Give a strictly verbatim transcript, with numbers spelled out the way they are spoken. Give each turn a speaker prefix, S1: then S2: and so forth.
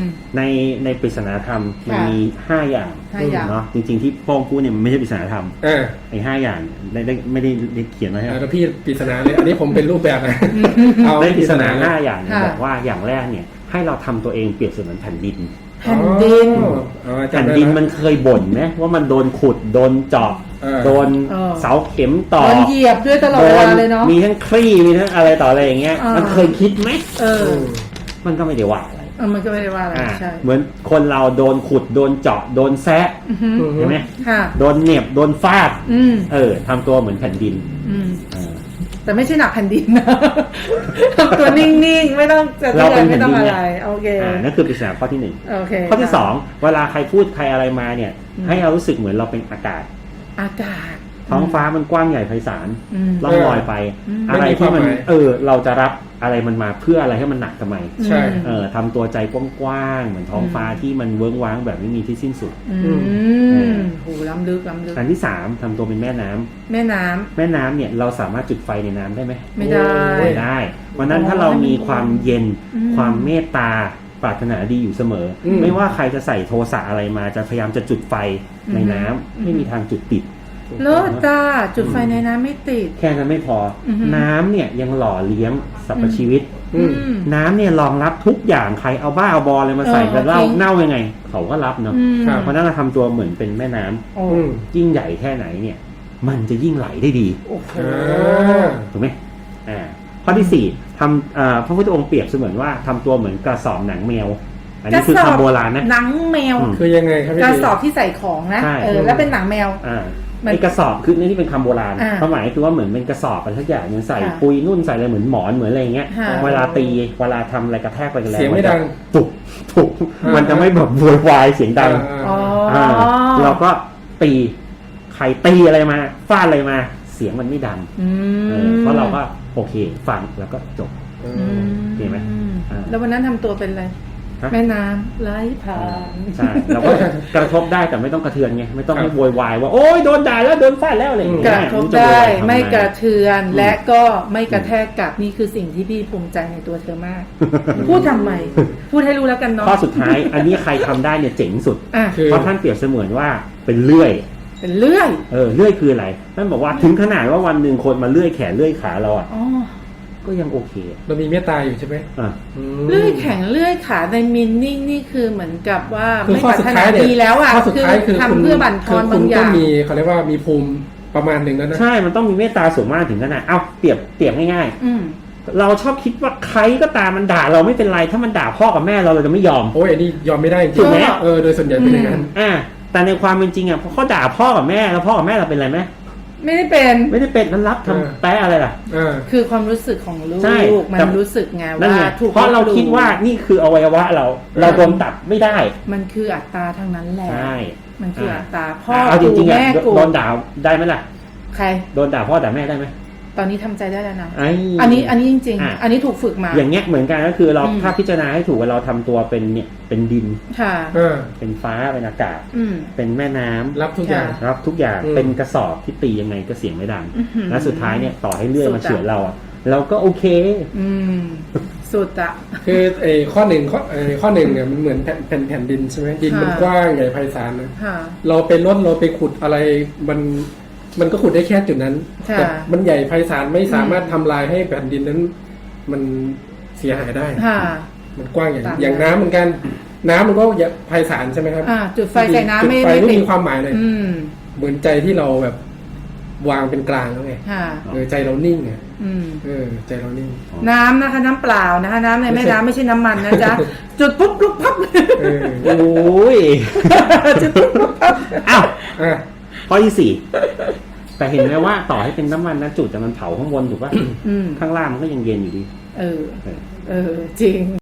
S1: ในในปริศนาธรรมมันมีห้าอย่างเนาะจริงๆที่โป้งพูดเนี่ยมันไม่ใช่ปริศนาธรรมไอ้ห้าอย่างได้ได้ไม่ได้เขียนไว้ให้
S2: แล้วพี่ปริศนาเลยอันนี้ผมเป็นรูปแบบนะ
S1: เอาได้ปริศนาห้าอย่างบอกว่าอย่างแรกเนี่ยให้เราทำตัวเองเปรียบเสมือนแผ่นดิน
S3: แผ่นดิน
S1: แผ่นดินมันเคยบ่นไหมว่ามันโดนขุดโดนเจาะโดนเสาเข็มต่อโด
S3: นเหยียบด้วยตลอดเวลาเลยเนาะ
S1: มีทั้งคลี่มีทั้งอะไรต่ออะไรอย่างเงี้ยมันเคยคิดไหมเออมันก็ไม่ได้ว่าอะไร
S3: มันก็ไม่ได้ว่าอะไรใช่
S1: เหมือนคนเราโดนขุดโดนเจาะโดนแซะใช่ไหมโดนเหน็บโดนฟาดเออทำตัวเหมือนแผ่นดิน
S3: แต่ไม่ใช่หนักแผ่นดินนะทำตัวนิ่งๆไม่ต้องจะเตือนไม่ต้องอะไรโอเค
S1: นั่นคือปริศนาข้อที่หนึ่งข้อที่สองเวลาใครพูดใครอะไรมาเนี่ยให้เรารู้สึกเหมือนเราเป็นอากาศ
S3: อากาศ
S1: ท้องฟ้ามันกว้างใหญ่ไพศาลล่องลอยไปอะไรที่มันเออเราจะรับอะไรมันมาเพื่ออะไรให้มันหนักทำไม
S2: ใช่
S1: เออทำตัวใจกว้างๆเหมือนท้องฟ้าที่มันเวิ้งว้างแบบไม่มีที่สิ้นสุด
S3: อืมโหล้ำลึกล้ำลึก
S1: อันที่สามทำตัวเป็นแม่น้ำ
S3: แม่น้ำ
S1: แม่น้ำเนี่ยเราสามารถจุดไฟในน้ำได้ไหม
S3: ไม่ได้
S1: ไม่ได้วันนั้นถ้าเรามีความเย็นความเมตตาปรารถนาดีอยู่เสมอไม่ว่าใครจะใส่โทสะอะไรมาจะพยายามจะจุดไฟในน้ำไม่มีทางจุดติด
S3: เลิศจ้าจุดไฟในน้ำไม่ติด
S1: แค่นั้นไม่พอน้ำเนี่ยยังหล่อเลี้ยงสรรพชีวิตน้ำเนี่ยรองรับทุกอย่างใครเอาบ้าเอาบอเลยมาใส่กันเล่าเน่ายังไงเขาก็รับเนาะเพราะนั้นเราทำตัวเหมือนเป็นแม่น้ำยิ่งใหญ่แค่ไหนเนี่ยมันจะยิ่งไหลได้ดีถูกไหมอ่าข้อที่สี่ทำพระพุทธองค์เปรียบเสมือนว่าทำตัวเหมือนกระสอบหนังแมวอันนี้คือคำโบราณนะ
S3: หนังแมว
S2: คือยังไงครับ
S3: กระสอบที่ใส่ของนะเออแล้วเป็นหนังแมว
S1: ไอ้กระสอบคือนี่เป็นคำโบราณความหมายคือว่าเหมือนเป็นกระสอบอะไรสักอย่างมันใส่ปุยนุ่นใส่อะไรเหมือนหมอนเหมือนอะไรเงี้ยเวลาตีเวลาทำอะไรกระแทกไปกันแล้ว
S2: เสียงไม่ดัง
S1: ตุกตุกมันจะไม่แบบโวยวายเสียงดังเราก็ตีใครตีอะไรมาฟาดอะไรมาเสียงมันไม่ดังเพราะเราก็โอเคฟังแล้วก็จบเห็นไหม
S3: แล้ววันนั้นทำตัวเป็นอะไรแม่น้ำไหลผ่าน
S1: ใช่เราก็กระทบได้แต่ไม่ต้องกระเทือนไงไม่ต้องให้โวยวายว่าโอ๊ยโดนด่าแล้วโดนฟาดแล้วอะไรอย่างเงี้ย
S3: กระทบได้ไม่กระเทือนและก็ไม่กระแทกกลับนี่คือสิ่งที่พี่ภูมิใจในตัวเธอมากพูดทำไมพูดให้รู้แล้วกันเนาะ
S1: ข้อสุดท้ายอันนี้ใครทำได้เนี่ยเจ๋งสุดเพราะท่านเปรียบเสมือนว่าเป็นเลื่อย
S3: เป็นเลื่อย
S1: เออเลื่อยคืออะไรท่านบอกว่าถึงขนาดว่าวันหนึ่งคนมาเลื่อยแขนเลื่อยขาเราอ่ะก็ยังโอเค
S2: เรามีเมตตาอยู่ใช่ไหม
S3: เลื่อยแข็งเลื่อยขาในมินนิ่งนี่คือเหมือนกับว่าไม่ปรารถนาดีแล้วอ่ะคือทำเพื่อบั่นทอนบางอย่าง
S2: ต้องมีเขาเรียกว่ามีภูมิประมาณหนึ่งแล้วนะ
S1: ใช่มันต้องมีเมตตาสูงมากถึงขนาดเอาเปรียบเปรียบง่ายๆเราชอบคิดว่าใครก็ตามมันด่าเราไม่เป็นไรถ้ามันด่าพ่อกับแม่เราเราจะไม่ยอม
S2: โอ้ยอันนี้ยอมไม่ได้จริงไหมเออโดยส่วนใหญ่เป็นอย่างนั้น
S1: อ่าแต่ในความเป็นจริงอ่ะพอเขาด่าพ่อกับแม่แล้วพ่อกับแม่เราเป็นอะไรไหม
S3: ไม่ได้เป็น
S1: ไม่ได้เป็นนั้นรับทำแปะอะไรล่ะ
S3: คือความรู้สึกของลูกมันรู้สึกไงว่า
S1: เพราะเราคิดว่านี่คืออวัยวะเราเราโดนตัดไม่ได้
S3: มันคืออัตตาทั้งนั้นแหละ
S1: ใช่
S3: มันคืออัตตาพ่อ
S1: กูแม่กูโดนด่าได้ไหมล่ะ
S3: ใคร
S1: โดนด่าพ่อด่าแม่ได้ไหม
S3: ตอนนี้ทำใจได้แล้วนะอันนี้อันนี้จริงๆอันนี้ถูกฝึกมา
S1: อย่างเงี้ยเหมือนกันก็คือเราถ้าพิจารณาให้ถูกว่าเราทำตัวเป็นเนี่ยเป็นดิน
S3: ค่ะ
S1: เป็นฟ้าเป็นอากาศเป็นแม่น้ำ
S2: รับทุกอย่าง
S1: รับทุกอย่างเป็นกระสอบที่ตียังไงก็เสียงไม่ดังและสุดท้ายเนี่ยต่อให้เลื่อยมาเฉือนเราเราก็โอเค
S3: อืมสุดอะ
S2: คือไอ้ข้อหนึ่งข้อไอ้ข้อหนึ่งเนี่ยมันเหมือนแผ่นแผ่นแผ่นดินใช่ไหมดินมันกว้างใหญ่ไพศาลนะเราไปลดเราไปขุดอะไรมันมันก็ขุดได้แค่จุดนั้นแต่มันใหญ่ไพศาลไม่สามารถทำลายให้แผ่นดินนั้นมันเสียหายได้มันกว้างอย่างอย่างน้ำเหมือนกันน้ำมันก็ไพศาลใช่ไหมครับ
S3: จุดไฟใส่น้ำไม่
S2: ไม่มีความหมายเลยเหมือนใจที่เราแบบวางเป็นกลางแล้วไงเออใจเรานิ่งไงเออใจเรานิ่ง
S3: น้ำนะคะน้ำเปล่านะคะน้ำในแม่น้ำไม่ใช่น้ำมันนะจ๊ะจุดปุ๊บลุกพับ
S1: โอ้ยจุดปุ๊บลุกพับอ้าวข้อที่สี่แต่เห็นไหมว่าต่อให้เป็นน้ำมันนะจุดแต่มันเผาข้างบนถูกป่ะข้างล่างมันก็ยังเย็นอยู่ดี
S3: เออเออจริง